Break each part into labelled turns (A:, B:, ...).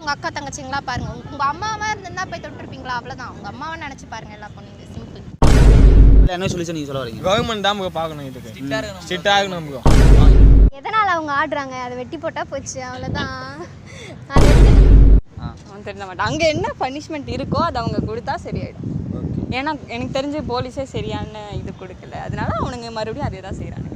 A: உங்கள் அக்கா தங்கச்சிங்களா பாருங்கள். உங்கள் அம்மாவாக இருந்தா போய் தொட்டிருப்பீங்களா? அவ்வளோதான். உங்கள் அம்மாவை நினச்சி பாருங்கள் எல்லா பொண்ணுங்க. சிம்பிள்.
B: என்ன சொல்லிச்சு நீங்கள் சொல்ல வரீங்க?
C: கவர்மெண்ட் தான் நமக்கு பார்க்கணும். இதுக்கு ஸ்ட்ரிக்டாக இருக்கணும் நமக்கு.
D: எதனால் அவங்க ஆடுறாங்க? அதை வெட்டி போட்டால் போச்சு, அவ்வளோதான்.
E: அவன் தெரிஞ்ச மாட்டான். அங்கே என்ன பனிஷ்மெண்ட் இருக்கோ அது அவங்க கொடுத்தா சரியாயிடும். ஏன்னா எனக்கு தெரிஞ்சு போலீஸே சரியான இது கொடுக்கல, அதனால அவனுங்க மறுபடியும் அதே தான் செய்கிறாங்க.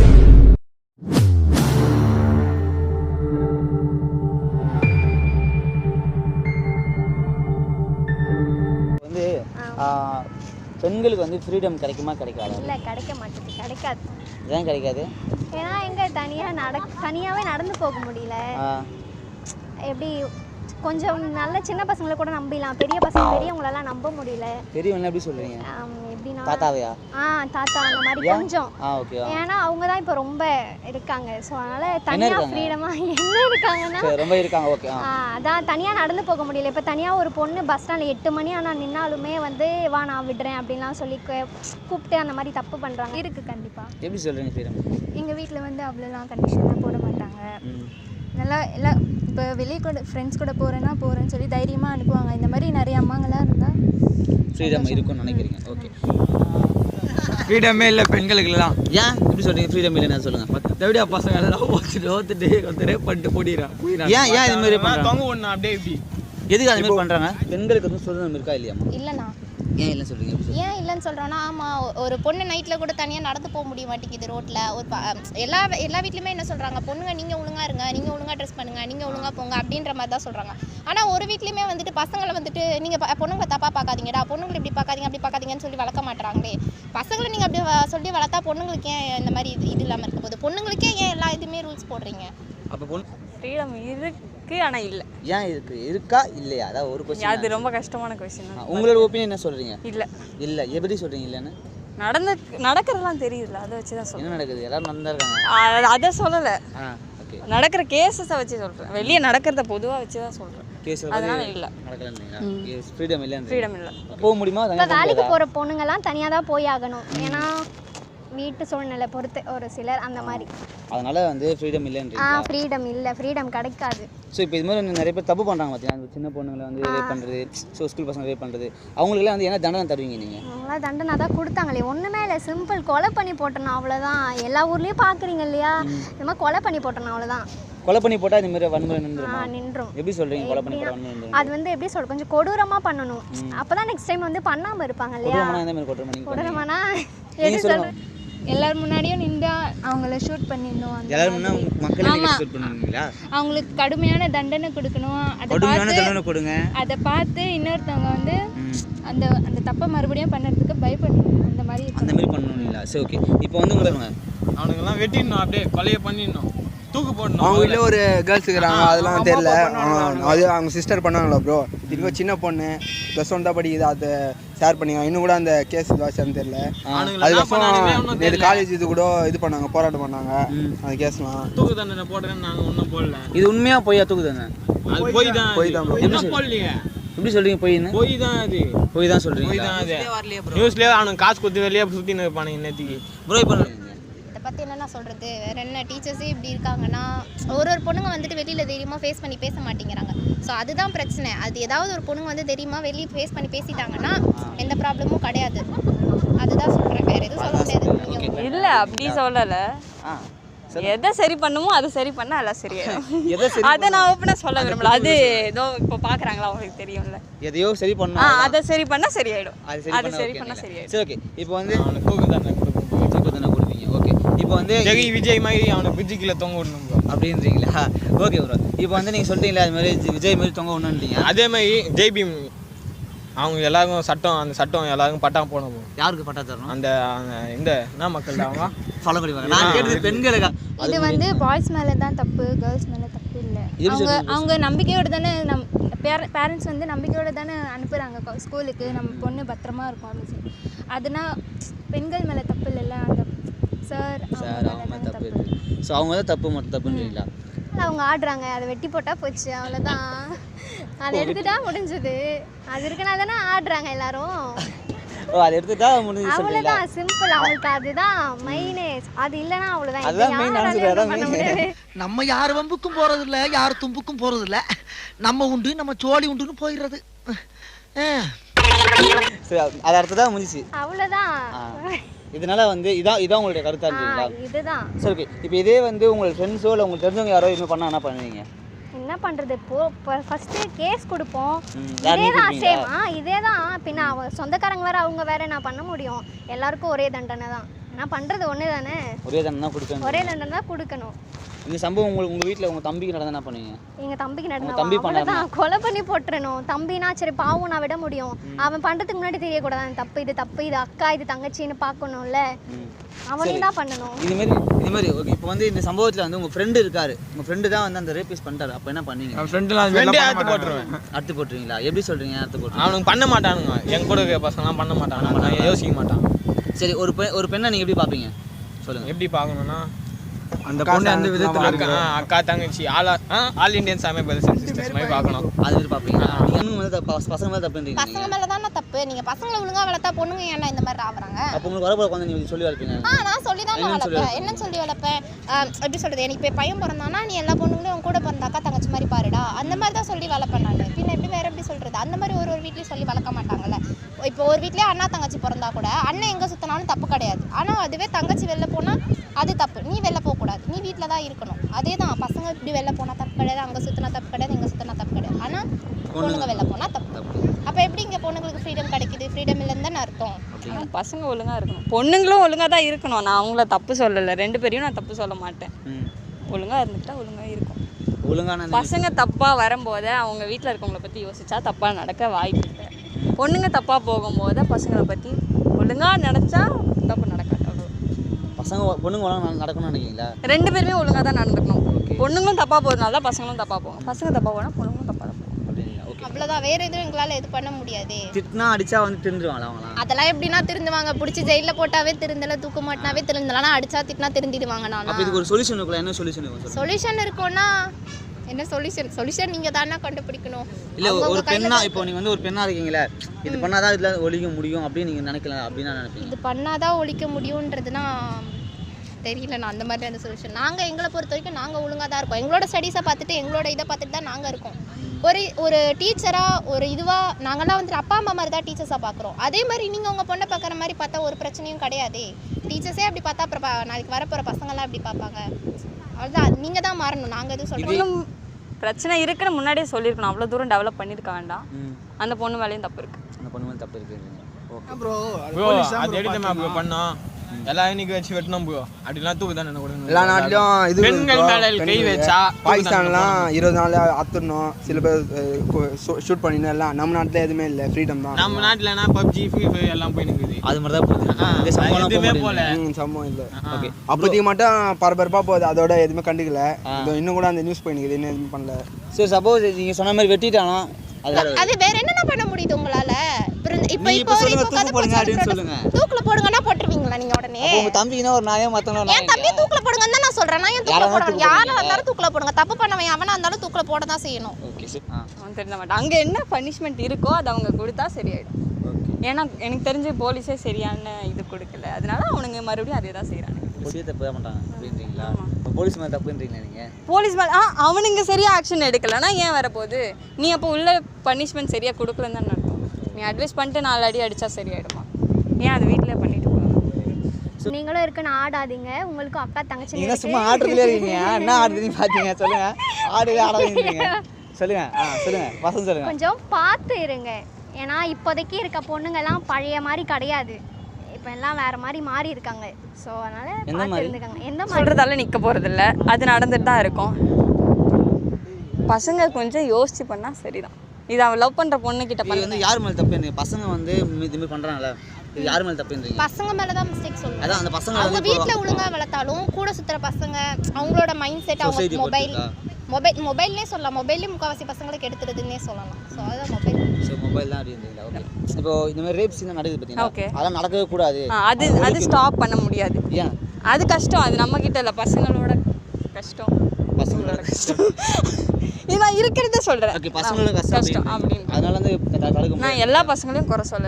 B: வந்து பெண்களுக்கு வந்து ஃப்ரீடம் கிடைக்குமா கிடைக்காது?
D: இல்லை, கிடைக்க மாட்டேது, கிடைக்காது.
B: ஏன் கிடைக்காது?
D: ஏன்னா எங்கே தனியாகவே நடந்து போக முடியல. எப்படி கொஞ்சம் நல்ல சின்ன பசங்களை கூட நம்பிடலாம், பெரிய பசங்க பெரியவங்களெல்லாம் நம்ப முடியல.
B: பெரியவங்க எப்படி சொல்றீங்க?
D: எப்படின்னா
B: தாத்தாவையா?
D: தாத்தா அந்த மாதிரி கொஞ்சம். ஏன்னா அவங்க தான் இப்போ ரொம்ப இருக்காங்க. ஸோ அதனால தனியாக ஃப்ரீடமாக என்ன இருக்காங்கன்னா
B: ரொம்ப இருக்காங்க. ஓகே.
D: அதான் தனியாக நடந்து போக முடியல. இப்போ தனியாக ஒரு பொண்ணு பஸ் ஸ்டாண்டில் 8 மணி ஆனால் நின்னாலுமே வந்து வா நான் விடுறேன் அப்படின்லாம் சொல்லி கூப்பிட்டு அந்த மாதிரி தப்பு பண்ணுறாங்க. இருக்குது கண்டிப்பாக.
B: எப்படி சொல்கிறீங்க ஃப்ரீடம்?
F: எங்கள் வீட்டில் வந்து அவ்வளோலாம் கண்டிஷன்லாம் போட மாட்டாங்க. நல்லா எல்லாம் இப்போ வெளியே கூட ஃப்ரெண்ட்ஸ் கூட போகிறேன்னு சொல்லி தைரியமாக அனுப்புவாங்க. இந்த மாதிரி நிறைய அம்மாங்களாம் இருந்தால்
B: ஃப்ரீடம் இருக்கும்னு நினைக்கிறீங்க? ஓகே.
C: ஃப்ரீடமே இல்லை பெண்களுக்குலாம்.
B: ஏன் எப்படி சொல்கிறீங்க ஃப்ரீடம் இல்லைன்னு சொல்லுங்கள்.
C: எப்படியா பசங்க எல்லாம் ஓத்துட்டு ஒருத்தரே பண்ணிட்டு போயிடுறான்.
B: ஏன் இது மாதிரி
C: தொங்க ஒன்று அப்படியே இப்படி
B: எதுக்கு அது மாதிரி பண்ணுறாங்க? பெண்களுக்கு வந்து சுதந்திரம் இருக்கா இல்லையா?
A: இல்லைண்ணா.
B: ஏன் இல்லைன்னு சொல்கிறீங்க?
A: ஏன் இல்லைன்னு சொல்கிறோன்னா, ஆமாம், ஒரு பொண்ணு நைட்டில் கூட தனியாக நடந்து போக முடிய மாட்டேங்குது ரோட்டில். ஒரு எல்லா வீட்லையுமே என்ன சொல்கிறாங்க, பொண்ணுங்க நீங்கள் ஒழுங்காக இருங்க, நீங்கள் ஒழுங்காக ட்ரெஸ் பண்ணுங்கள், நீங்கள் ஒழுங்காக போங்க அப்படின்ற மாதிரி தான் சொல்கிறாங்க. ஆனால் ஒரு வீட்லையுமே வந்துட்டு பசங்களை வந்துட்டு நீங்கள் பொண்ணுங்களை தப்பாக பார்க்காதீங்கடா, பொண்ணுங்களை இப்படி பார்க்காதீங்க அப்படி பார்க்காதீங்கன்னு சொல்லி வளர்க்க மாட்டாங்களே. பசங்களை நீங்கள் அப்படி சொல்லி வளர்த்தா பொண்ணுங்களுக்கு ஏன் இந்த மாதிரி இது இல்லாமல் இருக்க போகுது? பொண்ணுங்களுக்கே ஏன் எல்லா இதுவுமே ரூல்ஸ் போடுறீங்க?
B: அப்போ பொண்ணு
E: ஃப்ரீடம் இருக்குது ஆனால் இல்லை.
B: ஏன் இருக்கா இல்லையா? அதாவது ஒரு கொஸ்டின்.
E: அது ரொம்ப கஷ்டமான கொஸ்டின்.
B: உங்களோட ஒப்பீனியன் என்ன சொல்கிறீங்க?
E: இல்லை
B: எப்படி சொல்கிறீங்க இல்லைன்னு?
E: நடக்கிறதெல்லாம் தெரியுதுல்ல, அதை வச்சு தான் சொல்கிறேன்.
B: என்ன நடக்குது? எல்லாரும் நடந்துருக்காங்க.
E: அதை சொல்லலை,
B: ஓகே.
E: நடக்கிற கேஸஸை வச்சு சொல்கிறேன். வெளியே நடக்கிறத பொதுவாக வச்சு தான் சொல்கிறேன். அதனால இல்லை,
B: ஃப்ரீடம் இல்லை.
E: ஃப்ரீடம் இல்லை.
B: போக முடியுமா?
D: வேலைக்கு போகிற பொண்ணுங்கெல்லாம் தனியாக தான் போய் ஆகணும். ஏன்னா வீட்டு சூழ்நிலை பொறுத்து ஒரு சிலர் அந்த மாதிரி.
B: அதனால வந்து ஃப்ரீடம் இல்லைன்றீங்க?
D: ஃப்ரீடம் இல்லை, ஃப்ரீடம் கிடைக்காது.
B: ஸோ இப்போ இது மாதிரி நிறைய பேர் தப்பு பண்ணுறாங்க பார்த்தீங்கன்னா, சின்ன பொண்ணுங்களை வந்து ரேப் பண்ணுறது, ஸோ ஸ்கூல் பசங்க ரேப் பண்ணுறது, அவங்களுக்குலாம் வந்து என்ன தண்டனை தருவீங்க நீங்கள்?
D: அவங்களாம் தண்டனை தான் கொடுத்தாங்களே, ஒன்றுமே இல்லை, சிம்பிள், கொலை பண்ணி போட்டணும் அவ்வளோதான். எல்லா ஊர்லேயும் பார்க்குறீங்க இல்லையா, இந்த மாதிரி கொலை பண்ணி போட்டணும் அவ்வளோதான்.
B: கொலை பண்ணி போட்டால் இந்த மாதிரி வன்முறை
D: நின்றும்.
B: எப்படி சொல்கிறீங்க? கொலை பண்ணி போட்டால் வன்முறை
D: அது வந்து எப்படி சொல்ற, கொஞ்சம் கொடூரமாக பண்ணணும். அப்போ தான் நெக்ஸ்ட் டைம் வந்து பண்ணாமல் இருப்பாங்க இல்லையா? கொடூரமானா எப்படி சொல்கிறேன்,
F: எல்லாரும் முன்னாடியும் நின்று அவங்கள ஷூட் பண்ணிடணும். அவங்களுக்கு கடுமையான தண்டனை கொடுக்கணும். அதை பார்த்து இன்னொருத்தவங்க வந்து அந்த அந்த தப்பை மறுபடியும் பண்ணுறதுக்கு பயப்படணும். அந்த மாதிரி
B: பண்ணணும் இல்லை? சரி, ஓகே. இப்போ வந்து உங்களுக்கு
C: அவனுங்கெல்லாம் வெட்டிடணும், அப்படியே கொலையை பண்ணிடணும், தூக்கு போடணும்.
G: அவங்க வீட்டில் ஒரு கேர்ள்ஸ் இருக்கிறாங்க, அதெல்லாம் தெரியல. அது அவங்க சிஸ்டர் பண்ணாங்களா ப்ரோ? திரும்ப சின்ன பொண்ணு +1 தான் படிக்குது, அதை ஷேர் பண்ணிக்கலாம். இன்னும் கூட அந்த கேஸ் வாட்சான்னு தெரியல. அதுக்கப்புறம் நேற்று காலேஜ் இது கூட இது பண்ணாங்க, போராட்டம் பண்ணாங்க. அந்த கேஸ்லாம்
C: தூக்கு தண்டனை போடுறேன்னு நாங்கள் ஒன்றும் போடல.
B: இது உண்மையாக பொய்யா? தூக்கு தண்டனை
C: போய் தான்
B: போடலீங்க. எப்படி சொல்றீங்க? போய் தான் அது போய் தான் சொல்றீங்க.
C: போய் தான் அது நியூஸ்லேயே அவனுக்கு காசு கொடுத்து வெளியே சுற்றின்னு இருப்பானுங்க நேற்றுக்கு.
B: ப்ரோ இப்போ
A: இதை பற்றி என்னென்ன சொல்கிறது, வேறு என்ன, டீச்சர்ஸே இப்படி இருக்காங்கன்னா ஒரு பொண்ணுங்க வந்துட்டு வெளியில் தைரியமாக ஃபேஸ் பண்ணி பேச மாட்டேங்கிறாங்க. ஸோ அதுதான் பிரச்சனை. அது ஏதாவது ஒரு பொண்ணுங்க வந்து தைரியமாக வெளியே ஃபேஸ் பண்ணி பேசிட்டாங்கன்னா எந்த ப்ராப்ளமும் கிடையாது. அதுதான் சொல்கிறேன், வேறு எதுவும் சொல்ல முடியாது.
E: இல்லை, அப்படி சொல்லலை. எதை சரி பண்ணுமோ அதை சரி பண்ணால் எல்லாம் சரியாயிடும். அதை நான் ஓப்பனாக சொல்ல விரும்பல. அது ஏதோ இப்போ பார்க்குறாங்களா அவங்களுக்கு தெரியும்ல,
B: எதையோ சரி பண்ணா
E: அதை சரி பண்ணால் சரியாயிடும். அது சரி பண்ணால் சரியாயிடும்.
B: சரி, ஓகே. இப்போ வந்து
C: அவனுக்கு தூக்கு தண்டனை
B: கொடுப்பீங்க. ஓகே. இப்போ வந்து
C: விஜய் மாதிரி அவனை பிரிட்ஜுக்குள்ள தொங்க விடணும்
B: அப்படின்றீங்களா? Okay bro. இப்போ வந்து நீங்கள் சொல்லிட்டீங்களா அது மாதிரி விஜய் மாதிரி தொங்க விடணுன்றீங்க.
C: அதே மாதிரி ஜெய்பீம் அவங்க எல்லாருக்கும் அந்த சட்டம் எல்லாருக்கும் பட்டா போடணும்.
B: யாருக்கு பட்டா தரணும்?
C: அந்த இந்த என்ன மக்கள் அவங்க
B: ஃபாலோ பண்ணிப்பாங்க. நான் கேட்டது பெண்களுக்கு.
F: இது வந்து பாய்ஸ் மேலே தான் தப்பு, கேர்ள்ஸ் மேலே தப்பு இல்லை. அவங்க நம்பிக்கையோடு தானே பேரண்ட்ஸ் வந்து நம்பிக்கையோடு தானே அனுப்புகிறாங்க ஸ்கூலுக்கு, நம்ம பொண்ணு பத்திரமா இருக்கும் அப்படின்னு சொல்லி. அதுனா பெண்கள் மேலே தப்பு இல்லைல்ல, அந்த சார்
B: அவங்க மேலே தப்பு இருக்குது. ஸோ அவங்க தான் தப்புன்றீங்களா?
D: அவங்க ஆடுறாங்க, அதை வெட்டி போட்டால் போச்சு, அவ்வளோதான். அதை எடுத்துட்டா முடிஞ்சது. அது இருக்கனால தானே ஆடுறாங்க எல்லாரும்.
B: ஓ அதை எடுத்துட்டா முடிஞ்சு சொல்றீங்களா?
D: அவ்வளோதான் சிம்பிள். அவங்களுக்கு அதுதான் மெயினே. அது இல்லைன்னா அவ்வளோதான்.
B: அதுதான் main answer, அதான் main.
H: நம்ம யார் வம்புக்கும் போறது இல்ல, யார் தும்புக்கும் போறது இல்ல. நம்ம உண்டு நம்ம சோழி உண்டுன்னு போயிடுறது.
B: சரி அது அடுத்ததான் முடிஞ்சிச்சு.
D: அவ்வளோதான்.
B: இதனால வந்து இதான் உங்களுடைய கருத்தா இருந்தீங்களா?
D: இதுதான்.
B: சரி ஓகே. இப்போ இதே வந்து உங்கள் ஃப்ரெண்ட்ஸோ இல்லை உங்களுக்கு தெரிஞ்சவங்க யாரோ இதுமாதிரி பண்ணா என்ன பண்ணுவீங்க?
D: என்ன பண்ணுறது? ஃபஸ்ட்டு கேஸ் கொடுப்போம். இதே தான் சேமா, இதே தான். பின்ன சொந்தக்காரங்க வேறு அவங்க வேறு நான் பண்ண முடியும்? எல்லாருக்கும் ஒரே தண்டனை தான். நான் பண்ணுறது ஒன்று தானே.
B: ஒரே தண்டனை தான் கொடுக்கணும்.
D: ஒரே தண்டனை தான் கொடுக்கணும்.
B: இந்த சம்பவம் உங்கள் வீட்டில் உங்கள் தம்பிக்கு நடந்தா என்ன பண்ணுவீங்க?
D: எங்கள் தம்பிக்கு
B: தம்பி
D: நடந்தா கொலை பண்ணி போட்டுறணும். தம்பினா சரி பாவம் நான் விட முடியும். அவன் பண்ணுறதுக்கு முன்னாடி தெரியக்கூடாது தப்பு, இது தப்பு, இது அக்கா, இது தங்கச்சின்னு பார்க்கணும்ல. அவனையும் தான் பண்ணணும்.
B: இது மாதிரி ஓகே. இப்போ வந்து இந்த சம்பவத்தில் வந்து உங்கள் ஃப்ரெண்டு இருக்காரு, உங்கள் ஃப்ரெண்டு தான் வந்து அந்த ரேபிஸ் பண்ணிட்டாரு. அப்போ என்ன பண்ணுவீங்க?
C: ஃப்ரெண்டே அறுத்து போட்டுருவேன்.
B: அறுத்து போட்டுருவீங்களா? எப்படி சொல்கிறீங்க அறுத்து போட்டு?
C: அவனுக்கு பண்ண மாட்டானுங்க, என் கூட இருக்க பசங்களாம் பண்ண மாட்டானுங்க, யோசிக்க மாட்டான்.
B: சரி ஒரு பெண்ணை நீங்கள் எப்படி பார்ப்பீங்க சொல்லுங்கள்?
C: எப்படி பார்க்கணும்னா
G: அந்த பொண்ணு அந்த விதத்தில்
C: அக்கா தங்கச்சி ஆல் இண்டியன் சாமி பிரதர்ஸ் அண்ட் சிஸ்டர்ஸ் மாதிரி பார்க்கணும்.
B: அது மாதிரி பார்ப்பீங்க. நீங்கள் வந்து பசங்க மேலே தப்புன்றீங்க.
A: பசங்க மேலே தானே தப்பு. நீங்கள் பசங்களை ஒழுங்காக வளர்த்தா பொண்ணுங்க ஏன்னா இந்த மாதிரி ஆகுறாங்க?
B: அப்போ உங்களுக்கு வரப்போ வந்து நீங்கள் சொல்லி வளர்ப்பீங்க?
A: நான் சொல்லி தான் வளர்ப்பேன். என்னன்னு சொல்லி வளர்ப்பேன்? எப்படி சொல்கிறது, எனக்கு இப்போ பையன் பிறந்தானா நீ எல்லா பொண்ணுங்களும் உன் கூட பிறந்த அக்கா தங்கச்சி மாதிரி பாருடா, அந்த மாதிரி தான் சொல்லி வளர்ப்பேன் நான். பின்ன எப்படி வேறு எப்படி சொல்கிறது? அந்த மாதிரி ஒரு வீட்லேயும் சொல்லி வளர்க்க மாட்டாங்கல்ல. இப்போ ஒரு வீட்லேயே அண்ணா தங்கச்சி பிறந்தா கூட அண்ணன் எங்கே சுற்றினாலும் தப்பு கிடையாது. ஆனால் அதுவே தங்கச்சி வெளில போனால் அது தப்பு. நீ வெளில போகக்கூடாது, நீ வீட்டில் தான் இருக்கணும். அதே தான் பசங்க இப்படி வெளில போனால் தப்பு கிடையாது, அங்கே சுற்றினா தப்பு கிடையாது, இங்கே சுற்றினா தப்பு கிடையாது. ஆனால் பொண்ணுங்க வெளில போனால் தப்பு. அப்போ எப்படி இங்கே பொண்ணுங்களுக்கு ஃப்ரீடம் கிடைக்குது? ஃப்ரீடம் இல்லைன்னு தானே அர்த்தம்.
E: பசங்க ஒழுங்காக இருக்கணும், பொண்ணுங்களும் ஒழுங்காக தான் இருக்கணும். நான் அவங்கள தப்பு சொல்லலை, ரெண்டு பேரையும் நான் தப்பு சொல்ல மாட்டேன். ஒழுங்காக இருந்துட்டா ஒழுங்காக இருக்கும்.
B: ஒழுங்கான
E: பசங்க தப்பாக வரும்போது அவங்க வீட்டில் இருக்கவங்கள பற்றி யோசிச்சா தப்பாக நடக்க வாய்ப்பு இல்லை. பொண்ணுங்க தப்பாக போகும்போது பசங்களை பற்றி ஒழுங்காக நினச்சா தப்பு நடக்காது. அவ்வளோ
B: பசங்க பொண்ணுங்க ஒழுங்காக நடக்கணும்னு நினைக்கிறீங்களா?
E: ரெண்டு பேருமே ஒழுங்காக தான் நடந்துக்கணும். பொண்ணுங்களும் தப்பாக போகிறதுனால தான் பசங்களும் தப்பாக போகும். பசங்க தப்பாக போனால் பொண்ணுங்களும் தப்பாக தான் போகும்.
A: அவ்வளோதான், வேறு எதுவும் எங்களால் இது பண்ண முடியாது.
B: திட்டினா அடிச்சா வந்து திருந்துருவாங்களா அவங்களாம்?
A: அதெல்லாம் எப்படின்னா திருந்துவாங்க. பிடிச்சி ஜெயிலில் போட்டாவே திருந்தலை, தூக்க மாட்டினாவே திருந்தலாம். அடிச்சா திட்டினா திருந்திடுவாங்க. நான்
B: அப்போ இதுக்கு ஒரு சொல்யூஷன் இருக்குல்ல? என்ன சொல்யூஷன் இருக்கும்?
A: சொல்யூஷன் இருக்கும்னா என்ன சொல்யூஷன் நீங்கள் தானே கண்டுபிடிக்கணும்.
B: இல்லை ஒரு பெண்ணா, இப்போ நீங்கள் வந்து ஒரு பெண்ணாக இருக்கீங்களே, இது பண்ணாதான் இதில் ஒழிக்க முடியும் அப்படின்னு நீங்கள் நினைக்கலாம் அப்படின்னு நான் நினைப்பேன்.
A: இது பண்ணாதான் ஒழிக்க முடியுன்றதுனா தெரியல. நான் அந்த மாதிரி அந்த சொல்யூஷன் நாங்கள் எங்களை பொறுத்த வரைக்கும் நாங்கள் ஒழுங்காக தான் இருக்கோம். எங்களோட ஸ்டடீஸை பார்த்துட்டு எங்களோட இதை பார்த்துட்டு தான் நாங்கள் இருக்கோம். ஒரு டீச்சராக ஒரு இதுவாக நாங்கள்லாம் வந்து அப்பா அம்மா மாதிரி தான் டீச்சர்ஸாக பார்க்குறோம். அதே மாதிரி நீங்கள் உங்கள் பொண்ணை பார்க்குற மாதிரி பார்த்தா ஒரு பிரச்சனையும் கிடையாது. டீச்சர்ஸே அப்படி பார்த்தா அப்புறம் நாளைக்கு வரப்போகிற பசங்கள்லாம் அப்படி பார்ப்பாங்க. அதுதான் நீங்கள் தான் மாறணும். நாங்கள் எதுவும் சொல்கிறோம்.
E: பிரச்சனை இருக்குன்னு முன்னாடியே சொல்லியிருக்கணும். அவ்வளோ தூரம் டெவலப் பண்ணியிருக்க வேண்டாம். அந்த பொண்ணு மேலேயும் தப்பு இருக்குது.
B: அந்த பொண்ணு மேலே தப்பு இருக்குது.
C: ப்ரோ அது எடுத்து ப்ரோ பண்ணோம். எல்லாம் இன்னைக்கு வச்சு வெட்டணும் ப்ரோ. அப்படிலாம் தூக்கு தானே கொடுக்கணும்.
G: எல்லா நாட்டிலும் இது
C: பெண்கள் மேலே கை வச்சா
G: பாகிஸ்தான்லாம் 20 நாள் அத்துடணும். சில பேர் ஷூட் பண்ணிடணும். எல்லாம் நம்ம நாட்டில் எதுவுமே இல்லை, ஃப்ரீடம் தான்.
C: நம்ம நாட்டில்னா பப்ஜி ஃப்ரீ ஃபயர் எல்லாம் போய் நிற்குது.
B: அது மாதிரி தான் போகுது.
C: எதுவுமே போல
G: சம்பவம் இல்லை. ஓகே, அப்போதைக்கு மட்டும் பரபரப்பாக போகுது. அதோட எதுவுமே கண்டுக்கல. இன்னும் கூட அந்த நியூஸ் போய் நிற்குது, இன்னும் எதுவுமே பண்ணல.
B: சரி, சப்போஸ் நீங்கள் சொன்ன மாதிரி வெட்டிட்டானா
A: அது வேற என்னென்ன பண்ண முடியுது உங்களால? இப்போ தூக்குல போடுங்கன்னா போட்டுருவீங்களா நீங்க உடனே?
B: உங்க தம்பினா ஒரு நாயம் மத்தவங்க
A: என் தம்பி தூக்குல போடுங்கன்னு தான் நான் சொல்றேன். நான் ஏன் தூக்குல போடுறேன்? யாரா இருந்தாலும் தூக்குல போடுங்க. தப்பு பண்ணவன் அவனா இருந்தாலும் தூக்குல போட தான் செய்யணும்.
B: Okay sir.
E: அவன் தெரிஞ்ச மாட்டான். அங்கே என்ன பனிஷ்மெண்ட் இருக்கோ அதை அவங்க கொடுத்தா சரியாயிடும். ஏன்னா எனக்கு தெரிஞ்சு போலீஸே சரியான இது கொடுக்கல, அதனால அவனுங்க மறுபடியும் அதே தான் செய்கிறாங்க.
B: போலீஸே தப்பு தான் பண்ணுறாங்க அப்படின்றீங்களா? போலீஸ் மேலே தப்புன்றீங்களா நீங்கள்?
E: போலீஸ் மேலே அவனுங்க சரியாக ஆக்ஷன் எடுக்கலைன்னா ஏன் வரப்போகுது? நீ அப்போ உள்ள பனிஷ்மெண்ட் சரியாக கொடுக்கலன்னு தான் அர்த்தம். நீ அட்வைஸ் பண்ணிட்டு 4 அடி அடித்தா சரியாயிடுமா? ஏன் அது வீட்டில் பண்ணிட்டு போகலாம்?
D: நீங்களும் இருக்குன்னு ஆடாதீங்க. உங்களுக்கும் அக்கா தங்கச்சி
B: நீங்கள் சும்மா ஆடுறதுலே இருக்கீங்க. என்ன ஆடுறதுன்னு பார்த்தீங்க சொல்லுங்கள். ஆடுவே ஆடாதீங்க சொல்லுங்கள். சொல்லுங்கள் பசங்க சொல்லுங்கள்.
D: கொஞ்சம் பார்த்து இருங்க. ஏன்னா இப்போதைக்கு இருக்க பொண்ணுங்கெல்லாம் பழைய மாதிரி கிடையாது. இப்போ எல்லாம் வேறு மாதிரி மாறி இருக்காங்க. ஸோ அதனால் பார்த்து இருந்துக்காங்க. எந்த மாதிரி
E: சொல்கிறதால நிற்க போகிறதில்ல, அது நடந்துட்டு தான் இருக்கும். பசங்க கொஞ்சம் யோசிச்சு பண்ணால் சரிதான். இது அவன் லவ் பண்ணுற பொண்ணுக்கிட்ட
B: வந்து யார் மேலே தப்பு? பசங்க வந்து இதுமாதிரி பண்ணுறாங்கல்ல, இது யார் மேலே தப்புன்றீங்க?
A: பசங்க மேலே தான் மிஸ்டேக் சொல்லுவாங்க.
B: அதான் அந்த பசங்க
A: அவங்க வீட்டில் ஒழுங்காக வளர்த்தாலும் கூட சுற்றுற பசங்க அவங்களோட மைண்ட் செட், அவங்க மொபைல்னே சொல்லலாம். மொபைல்லேயும் முக்கால்வாசி பசங்களுக்கு எடுத்துருதுன்னே சொல்லலாம். ஸோ அதுதான்
B: மொபைல் தான் அப்படின்றீங்களா? ஓகே. இப்போ இந்த மாதிரி ரேப்ஸ் தான் நடக்குது பார்த்தீங்கன்னா, அதெல்லாம் நடக்கவே கூடாது.
E: அது ஸ்டாப் பண்ண முடியாது.
B: ஏன்?
E: அது கஷ்டம். அது நம்ம கிட்ட இல்லை, பசங்களோட கஷ்டம்.
B: பசங்களோட கஷ்டம்
E: நான் இருக்கிறத சொல்கிறேன்.
B: ஓகே, பசங்களோட கஷ்டம்
E: அப்படின்னு
B: அதனால வந்து
E: நான் எல்லா பசங்களையும் குறை சொல்லலை.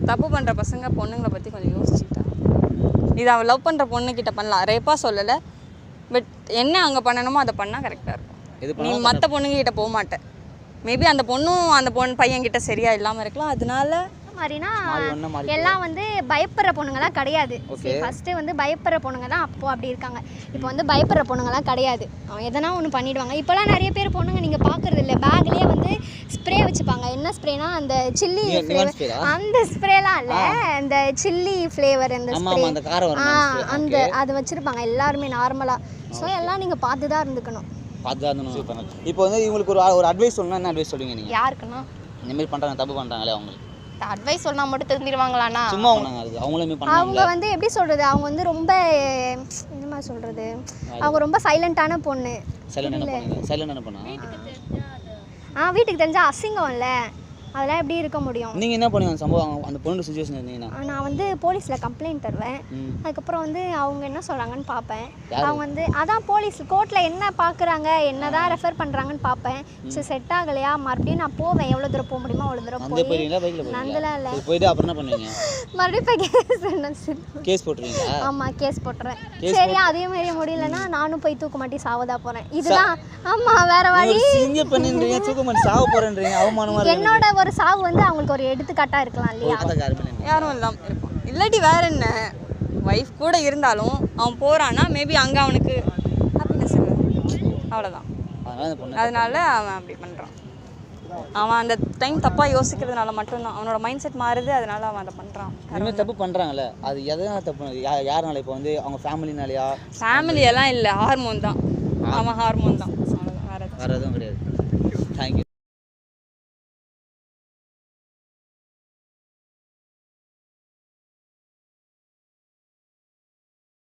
E: தப்பு பண்ணுற பசங்க பொண்ணுங்களை பற்றி கொஞ்சம் யோசிச்சுக்கிட்டா இது அவன் லவ் பண்ணுற பொண்ணுக்கிட்ட பண்ணலாம் ரேப்பாக சொல்லலை பட் என்ன அங்கே பண்ணணுமோ அதை பண்ணால் கரெக்டாக இருக்கும் நீ மற்ற பொண்ணுங்கிட்ட போக மாட்டேன் மேபி அந்த பொண்ணும் அந்த பையன்கிட்ட சரியா இல்லாமல் இருக்கலாம் அதனால
D: மாதிரினா எல்லாம் வந்து பயப்படுற பொண்ணுங்கலாம் கிடையாது ஃபஸ்ட்டு வந்து பயப்படுற பொண்ணுங்க தான் அப்போது அப்படி இருக்காங்க இப்போ வந்து பயப்படுற பொண்ணுங்கலாம் கிடையாது அவன் எதனா ஒன்று பண்ணிவிடுவாங்க இப்போலாம் நிறைய பேர் பொண்ணுங்க நீங்கள் பார்க்குறது இல்லை பேக்லேயே வந்து ஸ்ப்ரே வச்சுப்பாங்க என்ன ஸ்ப்ரேனா அந்த சில்லி ஃப்ளேவர் அந்த ஸ்ப்ரேலாம் இல்லை அந்த சில்லி ஃப்ளேவர் அந்த ஸ்ப்ரே அந்த அது வச்சுருப்பாங்க எல்லாருமே நார்மலாக ஸோ எல்லாம் நீங்கள் பார்த்து தான் இருந்துக்கணும்
B: இப்போ வந்து இவங்களுக்கு ஒரு அட்வைஸ் சொல்லணும்னா என்ன அட்வைஸ் சொல்லுவீங்க நீங்கள்
A: யாருக்குன்னா
B: இந்த மாதிரி பண்ணுறாங்க தப்பு பண்ணுறாங்களே அவங்களுக்கு
A: அட்வைஸ் சொன்னா மட்டும் தெரிஞ்சிருவாங்களாண்ணா
B: சும்மா அவங்களுமே பண்ணுவாங்க
D: அவங்க வந்து எப்படி சொல்கிறது அவங்க வந்து ரொம்ப என்ன மாதிரி சொல்கிறது அவங்க ரொம்ப சைலண்ட்டான பொண்ணு
B: சைலண்டான பொண்ணா
D: வீட்டுக்கு தெரிஞ்சால் அசிங்கம் இல்லை அதெல்லாம் எப்படி இருக்க முடியும்
B: நீங்கள் என்ன பண்ணுவீங்க சம்பவம் அந்த பொண்ணு சுச்சுவேஷன் இருந்தீங்கன்னா
D: நான் வந்து போலீஸில் கம்ப்ளைண்ட் தருவேன் அதுக்கப்புறம் வந்து அவங்க என்ன சொல்கிறாங்கன்னு பார்ப்பேன் அவங்க வந்து அதான் போலீஸ் கோர்ட்டில் என்ன பார்க்குறாங்க என்ன தான் ரெஃபர் பண்ணுறாங்கன்னு பார்ப்பேன் ஸோ செட் ஆகலையா மறுபடியும் நான் போவேன் எவ்வளோ தூரம் போக முடியுமோ அவ்வளோ தூரம் போய் நந்தலாம் இல்லை
B: போயிட்டு அப்புறம் என்ன பண்ணுவீங்க
D: மறுபடியும்
B: கேஸ் போட்டுருவீங்களா
D: ஆமாம் கேஸ் போட்டுறேன் சரி அதே மாதிரி முடியலன்னா நானும் போய் தூக்க மாட்டி சாவதா போகிறேன் இதுதான் ஆமாம் வேற வழி
B: பண்ணின்றீங்க தூக்க மாட்டி சாவ போகிறேன்றீங்க அவமானமாக
D: என்னோட ஒரு சாவு வந்து அவங்களுக்கு ஒரு எடுத்துக்காட்டாக இருக்கலாம் இல்லையா
E: யாரும் இல்லாமல் இருப்பான் இல்லாட்டி வேற என்ன ஒய்ஃப் கூட இருந்தாலும் அவன் போகிறான்னா மேபி அங்கே அவனுக்கு ஹாப்பினஸ் இல்லை அவ்வளோதான் அதனால அவன் அப்படி பண்ணுறான் அவன் அந்த டைம் தப்பாக யோசிக்கிறதுனால மட்டும்தான் அவனோட மைண்ட் செட் மாறுது அதனால அவன் அதை பண்ணுறான்
B: அதுமாதிரி தப்பு பண்ணுறாங்கல்ல அது எதனால தப்பு யாருனால இப்போ வந்து அவங்க ஃபேமிலினாலையா
E: ஃபேமிலியெல்லாம் இல்லை ஹார்மோன் தான் அவன் ஹார்மோன் தான்
B: வேறு எதுவும் கிடையாது தேங்க்யூ